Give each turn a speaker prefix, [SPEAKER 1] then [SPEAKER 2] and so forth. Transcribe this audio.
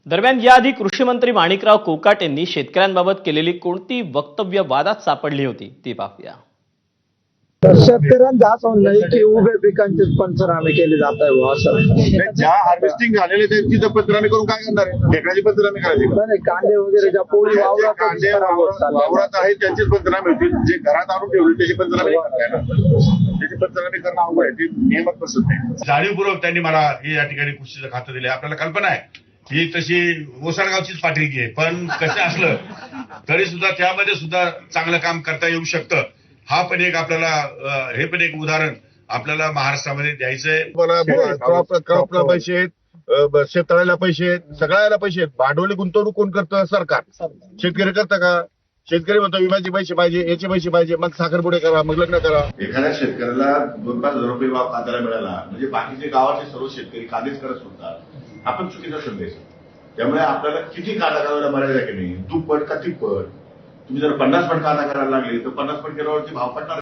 [SPEAKER 1] दरम्यान याआधी कृषी मंत्री माणिकराव कोकाटेंनी शेतकऱ्यांबाबत केलेली कोणती वक्तव्य वादात सापडली होती ती पाहूया.
[SPEAKER 2] शेतकऱ्यांचा असं म्हणणं आहे की उभ्या पिकांचे पंचनामे केले जात आहे असं.
[SPEAKER 3] ज्या हार्वेस्टिंग झालेले त्यांची पंचनामे करून काय करणार आहे? ढेकळाची पंचनामे करायची का?
[SPEAKER 2] नाही, कांदे वगैरे ज्या पोळी
[SPEAKER 3] कांदे वावरात आहेत त्यांचीच पंचनामे होतील. जे घरात आणून ठेवले त्याची पंचनामे नाही करणार ना. त्याची पंचनामे करणं अवघड आहे. ती नियमात बसत नाही.
[SPEAKER 4] जाणीवपूर्वक त्यांनी मला हे या ठिकाणी कृषीचं खातं दिले. आपल्याला कल्पना आहे ही तशी ओसाडगावचीच पाठीगी आहे, पण कसं असलं तरी सुद्धा त्यामध्ये सुद्धा चांगलं काम करता येऊ शकतं. हा पण एक आपल्याला हे पण एक उदाहरण आपल्याला महाराष्ट्रामध्ये द्यायचंय.
[SPEAKER 3] क्रॉपला पैसे आहेत, शेततळ्याला पैसे आहेत, सगळ्याला पैसे आहेत. भांडवली गुंतवणूक कोण करतं? सरकार. शेतकरी करतं का? शेतकरी म्हणतो विम्याचे पैसे पाहिजे, याचे पैसे पाहिजे, मग साखरपुडे करा, मग लग्न करा.
[SPEAKER 5] एखाद्या शेतकऱ्याला 2-5 हजार रुपये भाव कांद्याला मिळाला म्हणजे बाकीचे गावाचे सर्व शेतकरी कांदेच करत सुटतात. आपण चुकीचा संदेश. त्यामुळे आपल्याला किती कांदा करायला मर्यादा की नाही, दुप्पट का तिप्पट. तुम्ही जर 50 पट कांदा करायला लागले तर 50 पट केल्यावरती भाव पडणार.